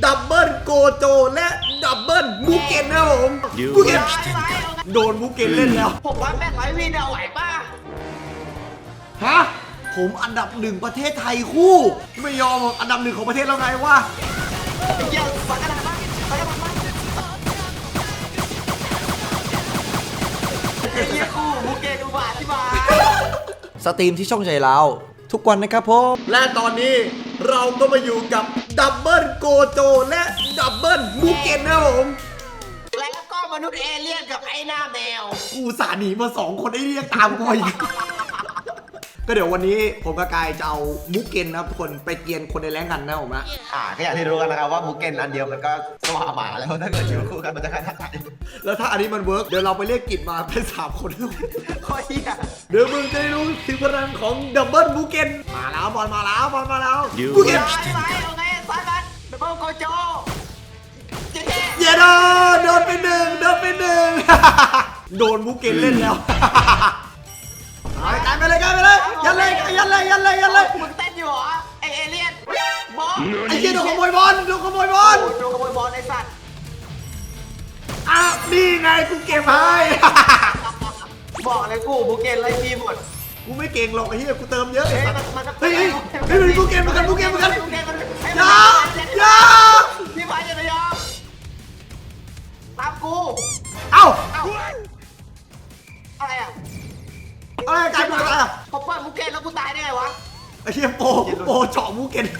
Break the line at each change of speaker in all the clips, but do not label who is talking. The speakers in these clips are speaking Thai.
ดับเบิลโกโจและดับเบิลมูเกนนะผมมูเกนโดนมูเกนเล่นแล้ว
ผมว่าแม่งไรวีเอาไหวป่ะ
ฮะผมอันดับหนึ่งประเทศไทยคู่ไม่ยอมอันดับหนึ่งของประเทศแล้วไงวะ
เยี่ยมสักกระดาษบ้างสักกระดาษบ้างเยี่ยคู่มูเกนอุบาทที่มา
สตรีมที่ช่องใจเราทุกวันนะครับผมและตอนนี้เราก็มาอยู่กับดับเบิลโกโจและดับเบิลมูเกนนะผม
แล้วก็มนุษย์เอเลี่ยนกับไอ้หน้าแมว
กูสาหนีมา2 คนไอ้เรียกตามกูอีกก็เดี๋ยววันนี้ผมกับกายจะเอามูเกนนะครับทุกคนไปเกียนคนในแรงกันนะผมนะ
ก็อย่างที่รู้กันนะครับว่ามูเกนอันเดียวมันก็สว่าหมาแล้วถ้าเกิดอยู่คู่กันมันจะขนาดไหน
แล้วถ้าอันนี้มันเวิร์กเดี๋ยวเราไปเรียกกิจมาเป็น3 คน
โคตรเหี้ย
เดี๋ยวมึงจะได้รู้ถึงพลังของดับเบิลมูเกนมาแล้วบอลมาแล้วมูเกน
ไปเอาไงสายมันดับเบิลโกโจ
เย้โดนไปหนึ่งโดนมูเกนเล่นแล้วกันไปเลยยันเลย
มึงเต้นอยู่เหรอไอเอเลี่ยนบอล
ไอ้เหี้ยโดนขโมยบอล
ไอสัตว์
นี่ไงกูเก็บให้
บอกเลยกูมูเกนไล่ทีหมด
กูไม่เก่งหรอกไอ้เหี้ยกูเติมเยอะ
เฮ้ย
มันมูเกนอย่า
พี่ไปอย่าไปยอมตามกูอะไรอ่ะ
การกูตาย
เขาเปิดมูเกนแล้วกูตายได้ไงวะ
ไอ้เหี้ยโปเจาะมูเกน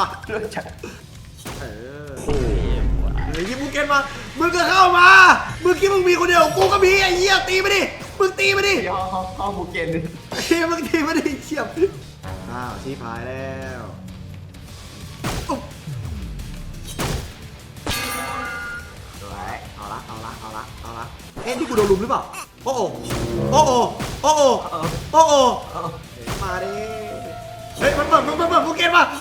ไอ้ยี่มูเกนมามึงก็เข้ามามึงคิดมึงมีคนเดียวกูก็มีไอ้เหี้ยตีมาดิมึงตีมาดิ
เข้ามูเกนดิ
ไอ้เหี้ยมึงตีมาดิเฉียบชี้พายแล้วเอาละเอ๊ะนี่กูโดนลุมหรือเปล่าโอ้มาดิเฮ้ยมันเปิดมูเกนมา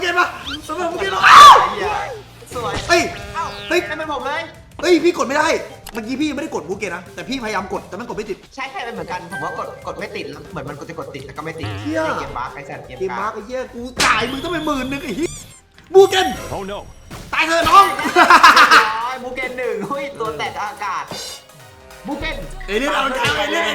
สวย
เฮ้ย
ให้เป็นผมเลย
พี่กดไม่ได้เมื่อกี้พี่ไม่ได้กดมูเกนนะแต่พี่พยายามกดแต่มันกดไม่ติด
ใช่เป็นเหมือนกันผมว่ากดไม่ติดแล้วเหมือนมันจะกดติดแต่ก็ไม่ติดเกมบาร์ไอ้แซนเกมบาร์
ไอ้เหี้ยกูจ่ายมึงต้องไป10,000ไอ้เหี้ยมูเกนตายเถอะน้อง
มูเกน1หุ้ยตัวแตกอากาศมูเกน
เอเลี่ยนเอาใจเอเลี่ยน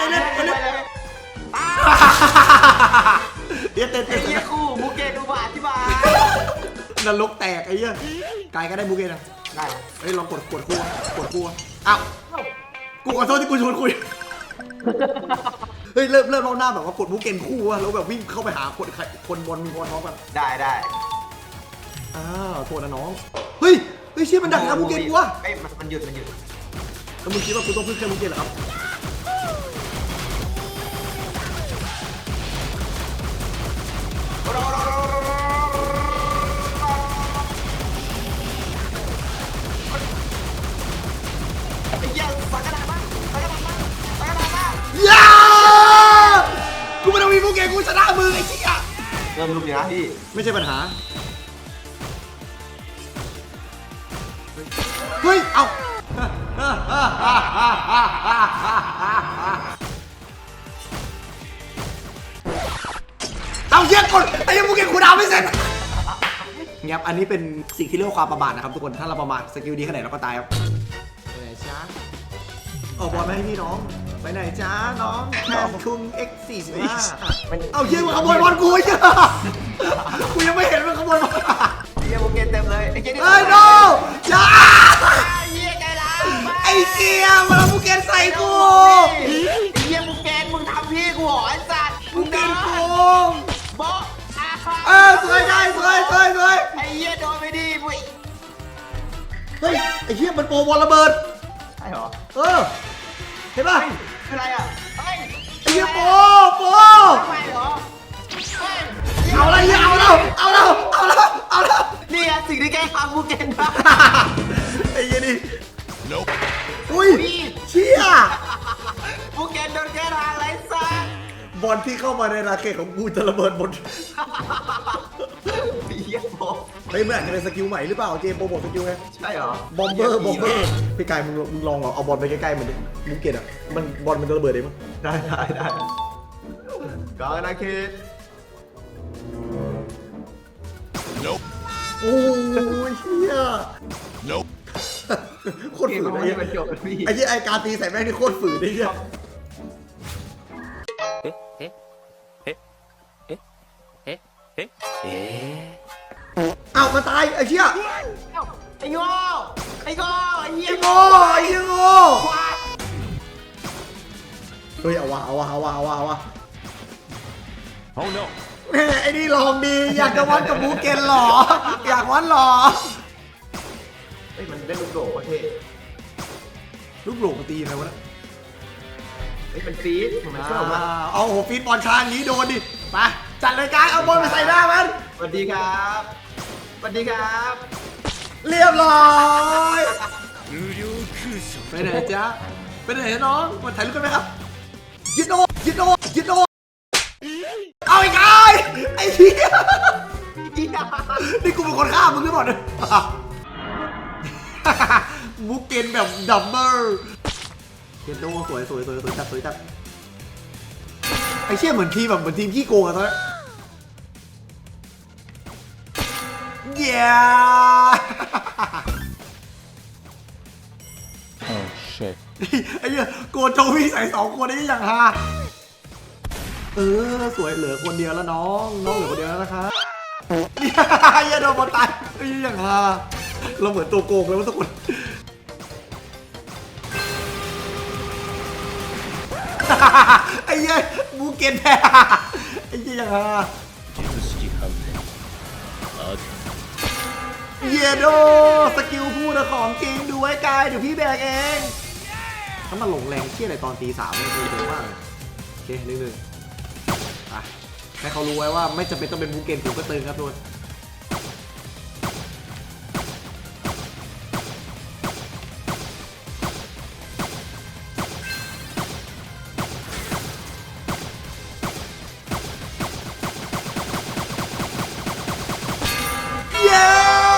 เต้น
ไอ้เหี้ยคู่มูเกนอุบาทที่มาน
รกแตกไอ้เหี้ยกายก็ได้มูเกนนะ
ได้
เฮ้ยลองกดคู่อ้าวกูขอโทษที่กูชวนคุยเฮ้ยเริ่มรอบหน้าแบบว่ากดมูเกนคู่อะแล้วแบบวิ่งเข้าไปหาคนบอลมีคนท้องกัน
ได้
โทษนะน้องเฮ้ยเชี่ยมันดักทำมูเกนกูวะ
มันหยุด
แล้วมึงคิดว่ากูต้องพึ่งแค่มูเกนเหรอครับกูไม่ต้องมีมูเกนกูชนะมือไอ้เชี่ย
เริ่มลุกอย่างนี้
ไม่ใช่ปัญหาเฮ้ยเอาเชี่ยกดไอ้ยังมูเกนกูดาวไม่เสร็จเงียบอันนี้เป็นสิ่งที่เรียกว่าความประมาทนะครับทุกคนถ้าเราประมาทสกิลดีขนาดไหนเราก็ตายครับไปไหนจ้าบอลมาให้พี่น้องไปไหนจ้าน้องแคนคุง X45 เอาเชี่ยมึงขโมยบอลกูเชี่ยกูยังไม่เห็นมึงขโมยบอล
เฮียมูเกนเต็มเลยไอ้เหี้ย
no อย่า
เฮียใจร้าย
ไอ้เชี่ยมันเอามูเกนใส่กู
ไอ้เฮียมูเกนมึงทำพี่กูหรอไอ้สัตว์
มูเกนกู
บอ
สวยไ
อ้เฮียโดนไปดิบุ้ย
เฮ้ยไอ้เฮียมันโปรบอลระเบิด
ใช่หรอ
เห็นป่ะ
เป็นไรอ่ะ
ไอ้เฮียโปร
ไม่หรอ
เอาอะไรเฮียเอาแล้ว
นี่ไงสิ่งที่แกทำมูเกนได้
ไอ้เฮียนี่อุ้ยเชี่ย
มูเกนโดนแกทางไรซ่า
บอลที่เข้ามาในราเกตของกูจะระเบิดหมด
เฮียโป
เฮ้ยมันอาจจะเป็นสกิลใหม่หรือเปล่าเจมโปรโมทสกิลไง
ใช่หร
อบอมเบอร์พี่กายมึงลองเอาบอลไปใกล้ๆมันดิมูเกตอ่ะมันบอลมันจะระเบิดได้มั้ย
ได้ก็นะคิด
โอ้ยเชี่ยโคตร
เกม
ฝืน
มัน
ไอ้
ไม่ได้บรรจบเลยพี่
ไอ้ที่ไอ้การตีใส่แม่งนี่โคตรฝืนไอ้เหี้ยอ้าวมาตายไอ้เชี่ย
ไอ้โง่ไอ้โง่ไอ้เหี้ย
ไอ้โง่ไอ้เหี้ยโง่เฮ้ยเอาวะแม่ไอ้นี่ลองดีอยากจะวัดกับบูเกนหรออยากวัดหรอ
เฮ้ยมันได้ลูกโด่งประเทศ
ลูกหลงตีอะไรวะเนี่ย
เฮ้ยมันฟีดมันชอบมาก
เอาโหฟีดบอลช้างนี้โดนดิไปจัดรายการเอาบอลไปใส่หน้ามัน
สวัสดีครับสวัสดีครับ
เรียบร้อยไปไหนจ๊ะไปไหนน้องมาถ่ายรูปกันไหมครับยิดโดเอาอีกไอ้เหี้ยนี่กูเป็นคนฆ่ามึงหรือเปล่าเนี่ยบุกเกนแบบดับเบิลเกนโดสวยจัดไอ้เชี่ยเหมือนทีมขี้โกงอะตอนนี้เย้
Oh shit.
ไอ้เหี้ยโกโจวี่ใส่2 คนนี้อย่างฮาสวยเหลือคนเดียวแล้วน้องเหลือคนเดียวแล้วนะคะไอ้เหี้ยโดนบอลตายไอ้เหี้ยอย่างฮาเราเหมือนตัวโกงเลยว่าทุกคนไอ้เหี้ยบูเกนแพ้ไอ้เหี้ยอย่างฮาเยโดสกิลพูดของจริงดูไว้กายเดี๋ยวพี่แบกเองถ้ามาหลงแรงเชี่ยอะไรตอนตี 3นี่คือเยอะมากโอเค1-1ให้เขารู้ไว้ว่าไม่จำเป็นต้องเป็นบูเกนผมก็ตึงครับทุกคนเย้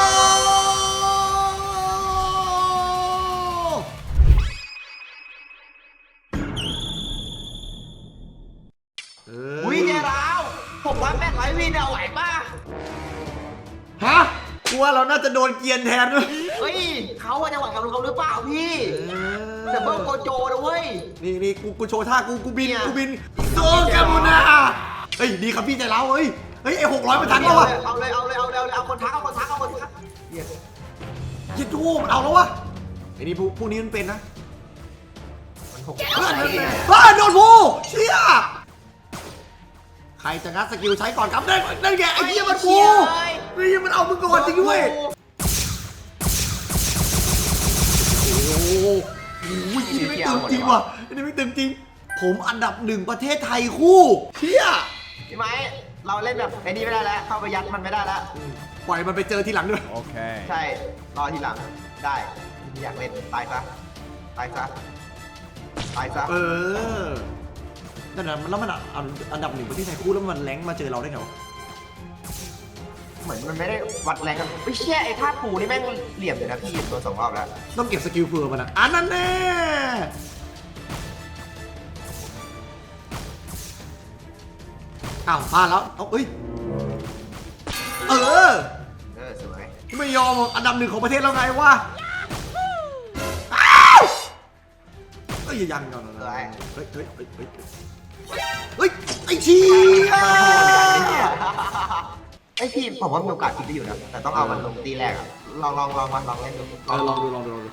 อุ้ยเจ้าผมว่าแม่งไรวินเอาไหวป่ะ
ฮะกลัวเราน่าจะโดนเกียนแทนด้วย
เฮ้ยเขาจะหวังกับเราหรือเปล่าพี่แต่เบิ้งโกโจนะเว้ย
นี่กูโชว์ท่ากูบิน
เนี่ย
โซกามูนาเฮ้ยดีครับพี่ใจเราเฮ้ยไอ้600มันทันแล้ววะ
เอาเลยเอาคนทักเหี้ย
ยิดทูมันเอาแล้ววะไอ้นี่พวกนี้มันเป็นนะ
มันหก
เฮ้ยโดนผู้เชี่ยใครจะงัดสกิลใช้ก่อนครับนั่นไงไอ้เหี้ยมันกูนี่มันเอามึงก่อนจริงด้วยโอ้โหนี่ไม่ตึงจริงว่ะนี่ไม่ตึงจริงผมอันดับ1ประเทศไทยคู่เชี่ย
พี่ไม้เราเล่นแบบไอ้นี่ไม่ได้แล้วเข้าไปยัดมันไม่ได้แล้ว
ปล่อยมันไปเจอทีหลังด้วย
Okay.
ใช่รอทีหลังได้อยากเล่นตายซะ
เออนั่นน่ะแล้วมันอันดับ1ประเทศไทยคู่แล้วมันแรงมาเจอเราได้ไงวะ
เหมือนมันไม่ได้วัดแรงกันไม่เชี่ยไอ้ท่าปูนี่แม่งเหลี่ยมเลยนะพี่ตัว2 รอบแล้ว
ต้องเก็บสกิลเผื่อมันนะอันนั้นแน่อ้าวพลาดแล้วเอาเอ้ย
สวย
ไม่ยอมอันดับ1ของประเทศแล้วไงวะอ้าวเอ้ยยังก่อนนะเฮ้ยไอ้เชี่ย
ไอ้พี่ผมว่ามีโอกาสคิดได้อยู่นะแต่ต้องเอามันลงตีแรกอะลองเล่นดู
ลองดู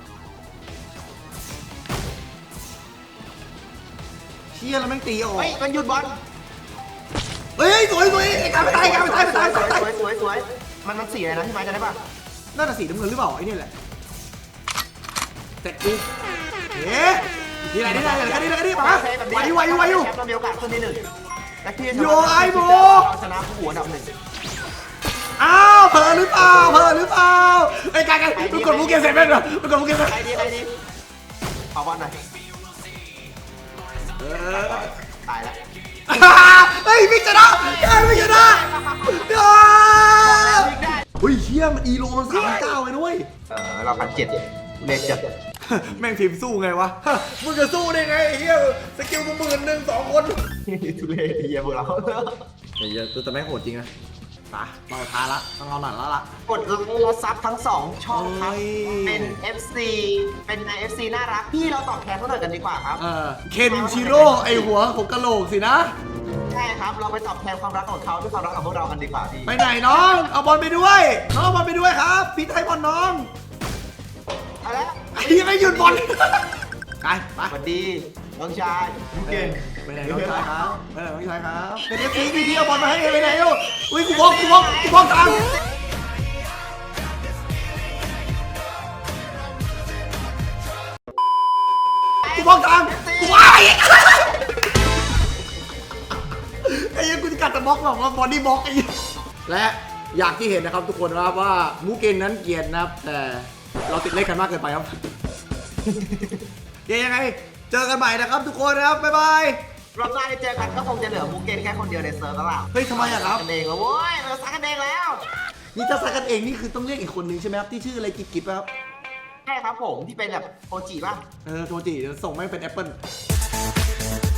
เชี่ยแล้วแม่งตีออก
เฮ้ยมันหยุดบอล
เฮ้ยสวยไอ้การไปตาย
สวยมันสีอะไรนะพี่ไม้จะได้ป่ะ
น่าจะสีน้ำเงินหรือเปล่าไอ้นี่แหละแต่กูเอ๊ะนี่ไหนมาไวอยู่
แชมป์เรามีโอกาสขึ้นที่1และที่
โยไอ้โบ
ชนะผู้อันดับ1
อ้าวเผลอหรือเปล่าไอ้การมันกดลูกเกมเสร็จไหมเนอะมันกดลูกเกมเสร็จ
ใครดีเอาบอลหน่อยตายแล้ว
เฮ้ยพี่ชนะเฮ้ยเชี่ยมันอีโลมัน39เลยด้วย
เรา1,700เลนจัด
แม่งทีมสู้ไงวะมึงจะสู้ได้ไงไอ้เหี้ยสกิลกู11,000 2 คน
ทุเรศเฮียพวกเรา
เฮ้ยแต่แม่งโหดจริงนะไปเราท้าละต้องเอาหน่อยแล้วล่ะ
กดไลค์และซับทั้ง2ช่องครับ
เอ้ย
เป็น FC เป็น FC น่ารักพี่เราตอบแทนเขาหน่อยกันดีกว่าครับ
เคนชิโร่ไอหัวของกะโหลกสินะ
ใช่ครับเราไปตอบแทนความรักของเขาด้วยความรักของพวกเรากันดีกว่าพี่
ไปไหนน้องเอาบอลไปด้วยน้องเอาบอลไปด้วยครับพี่ให้บอลน้อง
เอาละ
ยังไม่หยุดบอลไปไป
สวัสดีน้องชายยูเกน
ไปไหนน้องชายครับไปไหนน้องชายครับเป็นเอฟซีพี่เอาบอลมาให้ไปไหนลูกอุ้ยกูบล็อกทางกูบล็อกทางกูว้ายไอ้ยังกูจะกัดแต่บล็อกแบบว่าบอดี้บล็อกไอ้และอย่างที่เห็นนะครับทุกคนนะครับว่ามูเกนนั้นเกลียดนะครับแต่เราติดเล่นกันมากเกินไปครับ ยังไงเจอกันใหม่นะครับทุกคนนะครับบ๊ายบาย
รอบหน้าที่เจอกันก็คงจะเหลือมูเกนแค่คนเดียวในเซิร์ฟแล้วล่ะ
เฮ้ยทำไมอะครับ
กันเองแล้วโว้ยเราซักกันเองแล้ว
นี่ถ้าซักกันเองนี่คือต้องเรียกอีกคนนึงใช่ไหมครับที่ชื่ออะไรกิ๊บๆครับ
ใช่ครับผมที่เป็นแบบโอจิป่ะ
โทจิเดี๋ยวส่งแม่งเป็นแอปเปิล